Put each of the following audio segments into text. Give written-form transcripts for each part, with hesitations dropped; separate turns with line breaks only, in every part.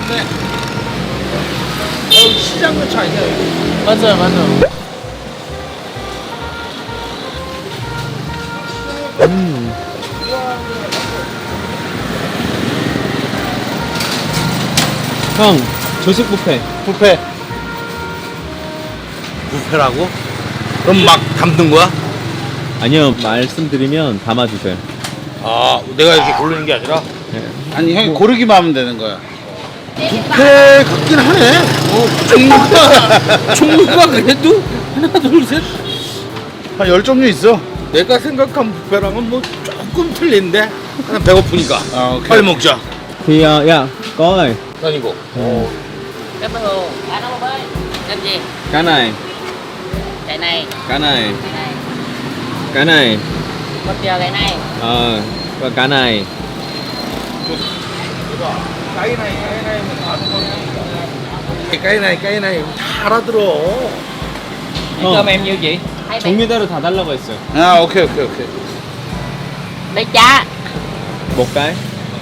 네. 시장 근처 아니야 여기?
맞아요, 맞아요. 형, 조식 뷔페.
뷔페. 뷔페라고? 그럼 막 담는 거야?
아니요, 말씀드리면 담아주세요.
아, 내가 이렇게 고르는 게 아니라?
아니 형이 고르기만 하면 되는 거야.
뷔페 같긴 하네. 종류가 그래도 하나, 둘, 셋.
한 10종류 있어.
내가 생각한 뷔페랑은 뭐 조금 틀린데. 그냥 배고프니까.
아, 오케이.
빨리 먹자.
Thì dạ, có rồi.
난 이거.
Cái bánh hồ, ăn không ơi? Làm gì?
Cái này,
Cái này,
cái này,
cái này.
cái này.
Một giờ cái này.
Và cái này.
까이나이 다 알아들어.
Cơm
em nhiêu chị? Hai bánh.
종류대로 다 달라고 했어요.
아 오케이 오케이 오케이.
Đây cha.
Một cái.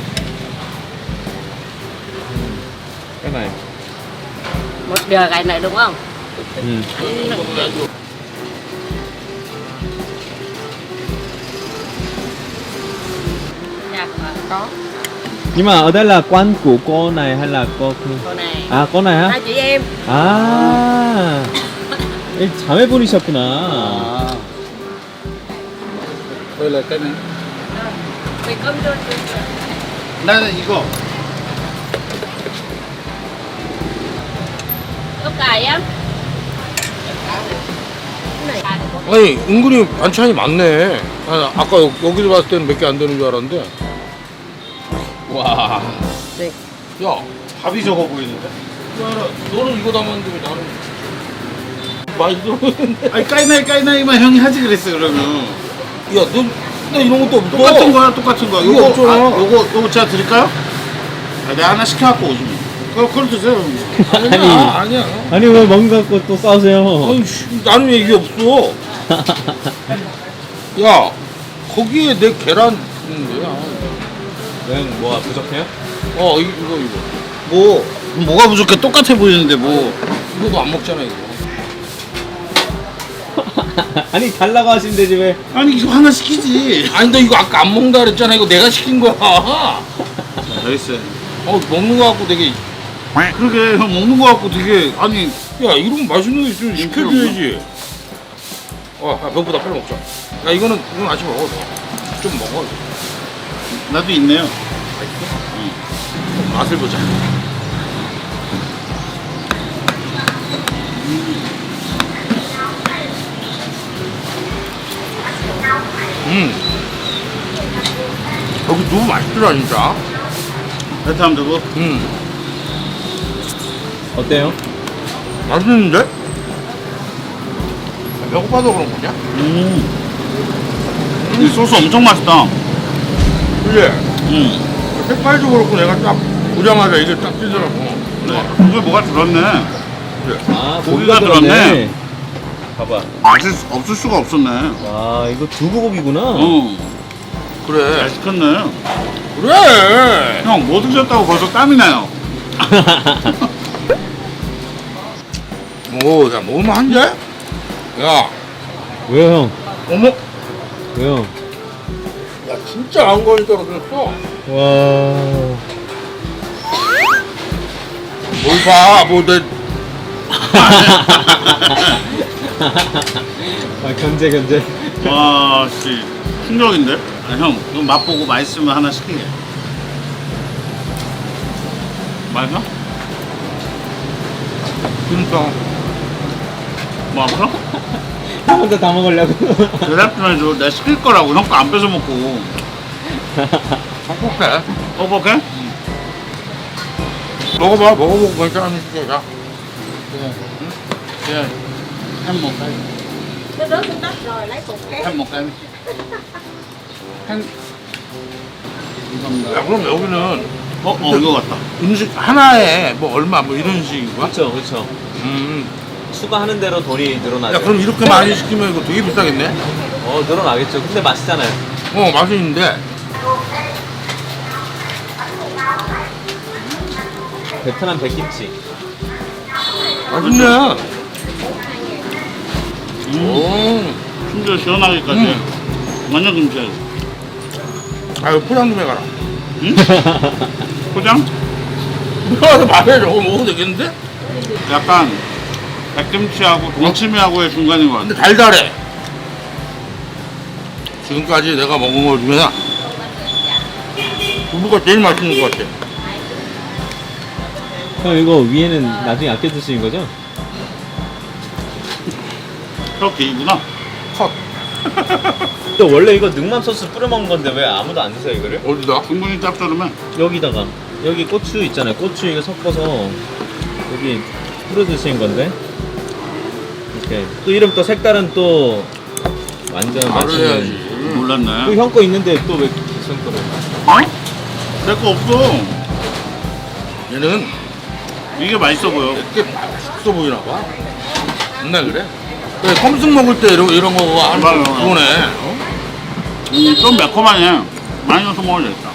Cái này.
Một giờ cái này đúng không?
Ừ.
Dạ, có.
Nhưng mà ở đây là quán của cô này hay là cô kia?
Cô này.
À, cô này hả?
Hai chị em.
아, 이 자매분이셨구나.
아. Đây là cái này.
Mình cơm cho
나는 이거.
ốc cải em. Cái này.
아니 은근히 반찬이 많네. 아, 아까 여기서 봤을 때는 몇 개 안 되는 줄 알았는데. 와.
네.
야,
밥이 적어 보이는데.
야, 너는 이거 담았는데 왜 나는 많이 들어오는데?
아니 까이나이만 형이 하지 그랬어 그러면.
야, 나 이런 것도 없어.
똑같은 거야 똑같은 거.
이거 없잖아.
요거 제가 드릴까요? 아, 내가 하나 시켜갖고 오시면. 그걸 드세요.
아니야.
아니 왜 먹는 거 갖고 또 싸우세요?
아니, 나는 왜 이게 없어? 야, 거기에 내 계란 있는데.
왜 뭐가 부족해요?
이거.
뭐가 부족해 똑같아 보이는데 뭐.
이거도 안 먹잖아, 이거.
아니 달라고 하시면 되지 왜?
아니 이거 하나 시키지.
아니, 너 이거 아까 안 먹는다 그랬잖아. 이거 내가 시킨 거야.
여기 있어요.
먹는 거 갖고 되게.
그러게 형 먹는 거 갖고 되게 아니
야, 이런 맛있는 거 있으면 시켜줘야지. 배고프다, 빨리 먹자. 야, 이건 아직 먹어. 좀 먹어.
나도 있네요.
맛을 보자. 여기 너무 맛있더라, 진짜.
베트남 두부.
어때요?
맛있는데? 배고파서 그런 거냐?
이 소스 엄청 맛있다.
그래. 색깔도 그렇고 내가 딱 보자마자 이게 딱 뜨더라고.
이게 뭐가 들었네.
그래.
아
고기가 들었네.
봐봐.
없을 수가 없었네.
와 이거 두부고기구나.
그래.
잘 시켰네.
그래.
형 뭐 드셨다고 벌써 땀이 나요.
야, 먹으면 한 대? 야,
왜요 형?
어머.
왜요?
야, 진짜 안 걸릴 줄 알았어.
와.
뭘 봐,
아 견제.
와, 씨 충격인데? 아, 형, 이거 맛보고 맛있으면 하나 시키게. 맛있어?
진짜.
맛있어?
형 혼자 다 먹으려고.
대답 좀 해줘. 내가 시킬 거라고. 형 거 안 뺏어 먹고.
행복해.
어떡해?
먹어보고 괜찮으면 시켜자.
예. 햄 một cái.
Cái rớt xuống đất rồi lấy cục khác.
햄 một cái. 햄.
야, 그럼 여기는
이거 같다.
음식 하나에 뭐 얼마 뭐 이런 식인 거야?
그렇죠. 추가하는 대로 돈이 늘어나죠.
야, 그럼 이렇게 많이 시키면 이거 되게 비싸겠네?
늘어나겠죠. 근데 맛있잖아요.
맛있는데.
베트남 백김치.
맛있네. 오.
심지어 시원하기까지. 완전 김치.
아유, 포장 좀 해가라.
응? 포장?
들어가서 말해, 저거 먹어도 되겠는데?
약간 백김치하고 동치미하고의 중간인 것 같아.
근데 달달해. 지금까지 내가 먹은 거 중에서 두부가 제일 맛있는 것 같아.
형 이거 위에는 나중에 아껴 드시는 거죠?
그렇게 이구나.
컷.
또 원래 이거 능맘 소스 뿌려 먹는 건데 왜 아무도 안 드세요 이거를?
어디다?
충분히 짭조름해.
여기다가 여기 고추 있잖아요. 고추 이거 섞어서 여기 뿌려 드시는 건데. 이렇게 또 이름 또 색깔은 또 완전
말을
맛있는.
해야지.
몰랐네.
또 형 거 있는데 또 왜 형 거를?
어? 내 거 없어.
얘는
이게 맛있어 보여.
이렇게 맛있어 보이나 봐. 맨날 그래? 그래, 컴승 먹을 때 이런 거 하는 거
맞아.
그거네. 어?
좀 매콤하네. 많이 넣어서 먹어야 되겠다.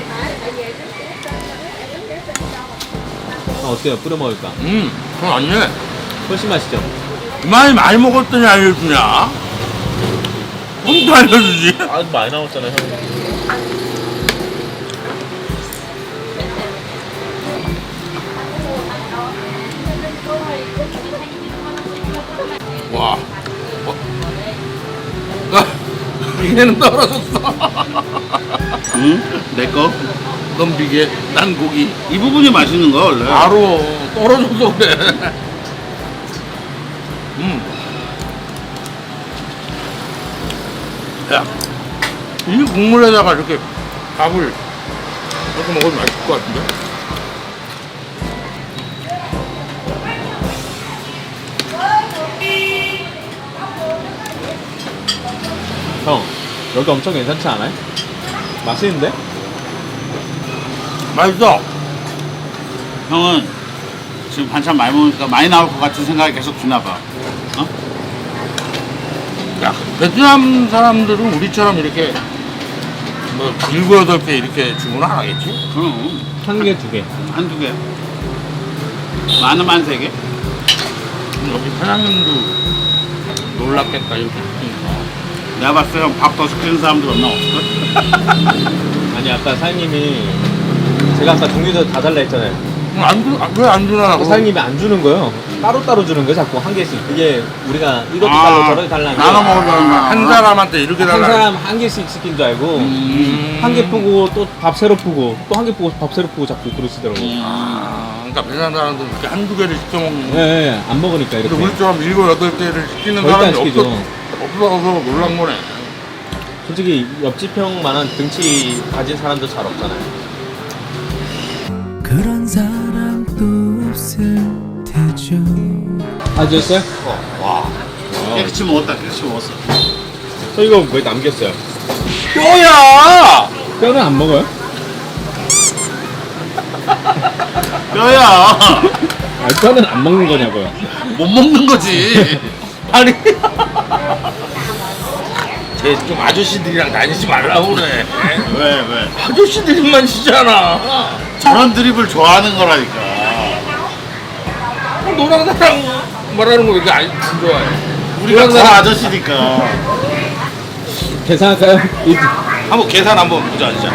아, 어때요? 뿌려 먹을까?
그건 아니네.
훨씬 맛있죠?
많이 먹었더니 알려주냐? 또 알려주지?
아주 많이 나왔잖아요 형.
와. 비계는 떨어졌어.
응? 내 거?
넌 비계, 난 고기.
이 부분이 맛있는 거야 원래.
바로 떨어져서 그래. 야, 이 국물에다가 이렇게 밥을 이렇게 먹으면 맛있을 것 같은데?
형 여기 엄청 괜찮지 않아요? 맛있는데?
맛있어.
형은 지금 반찬 많이 먹으니까 많이 나올 것 같은 생각이 계속 드나 봐. 어?
야, 베트남 사람들은 우리처럼 이렇게 뭐 7, 8개 이렇게 주문 안 하겠지?
그럼
한 개, 두 개.
한두 개. 많으면 세 개.
여기 사장님도 놀랐겠다 이렇게 시키니까.
내가 봤을 때 형 밥 더 시키는 사람들 없나 없을까?
아니 아까 사장님이 제가 아까 종류도 다 달라 했잖아요.
왜 안 주나?
사장님이 안 주는 거요. 따로따로 주는 거예요 자꾸 한 개씩. 그게 우리가 이것도
아,
달라 저렇게 달라는 게
나눠 먹으려는 거야.
한 사람한테 이렇게
한
달라.
사람 한 개씩 시킨 줄 알고 한 개 푸고 또 밥 새로 푸고 또 한 개 푸고 밥 새로 푸고 자꾸 그러시더라고요.
그러니까 베트남 사람들은 이렇게 한두 개를 시켜 먹는 거.
네, 안 먹으니까 이렇게.
근데 우리처럼 7, 8개를 시키는
절대 안
사람이
시키죠.
없어서 놀란 거네.
솔직히 옆집 형만한 등치 가진 사람도 잘 없잖아요.
그런 사람도 없을 테죠.
아, 드셨어요?
와.
깨끗이 먹었다. 깨끗이 먹었어.
저 이거 왜 남겼어요?
뼈야!
뼈는 안 먹어요?
뼈야.
아, 뼈는 안 먹는 거냐고요.
못 먹는 거지. 아니. 쟤 좀 아저씨들이랑 다니지 말라고 그래.
왜?
아저씨들만 치잖아.
저런 드립을 좋아하는 거라니까.
노랑 나랑 말하는 거 왜 이렇게 안 좋아해?
우리가
노랑
더
나랑
아저씨니까.
계산할까요?
한번 계산 한번 보자 진짜.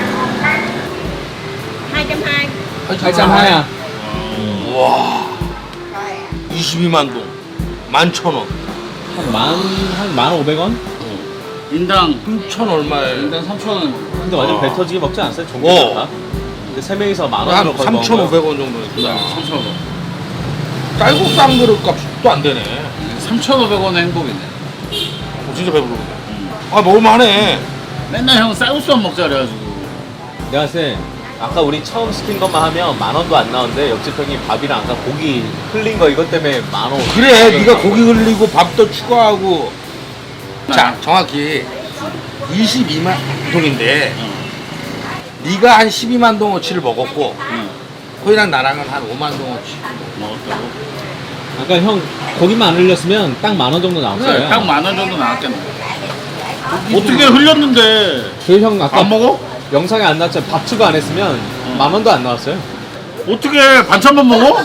220.
하야.
와. 22만 동. 11,000원.
한 1,500원?
인당
3천 얼마에?
인당 3,000원.
근데 완전 배 터지게 먹지 않았어요? 종류 다? 근데 세 명이서 10,000원으로
한
거의 먹은 거예요.
3,500원 정도 했구나.
3,500원.
쌀국수 한 그릇 값도 안 되네.
3,500원의 행복이네.
진짜 배부르네. 아, 먹을만하네.
맨날 형 쌀국수만 먹자 그래가지고.
내가 봤을 때 아까 우리 처음 시킨 것만 하면 10,000원도 안 나오는데 옆집 형이 밥이랑 아까 고기 흘린 거 이것 때문에 10,000원.
그래, 네가 고기 흘리고 밥도 추가하고. 자, 정확히 22만 동인데 네가 한 12만 동어치를 먹었고
응.
거기랑 나랑은 한 5만 동어치.
먹었다고?
아까 형 고기만 안 흘렸으면 딱 10,000원 정도 나왔어요.
그래, 딱 10,000원 정도 나왔겠네. 어떻게 흘렸는데
그 형 아까
안 먹어?
영상에 안 나왔지만 밥 추가 안 했으면 10,000원도 안 나왔어요.
어떻게 반찬만 먹어?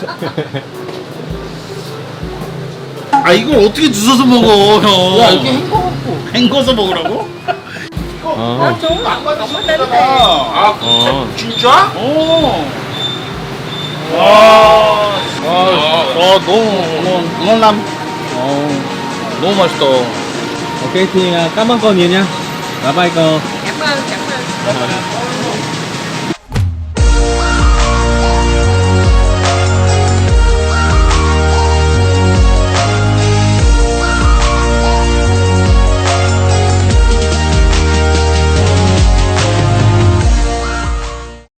아 이걸 어떻게 주워서 먹어 형?
야 이렇게 헹궈갖고.
헹궈서 먹으라고?
어.
아 진짜?
오.
너무
ngon lắm.
너무 맛있다.
Ok thì cảm ơn con nhiều nha. Bye bye con.
Cảm ơn.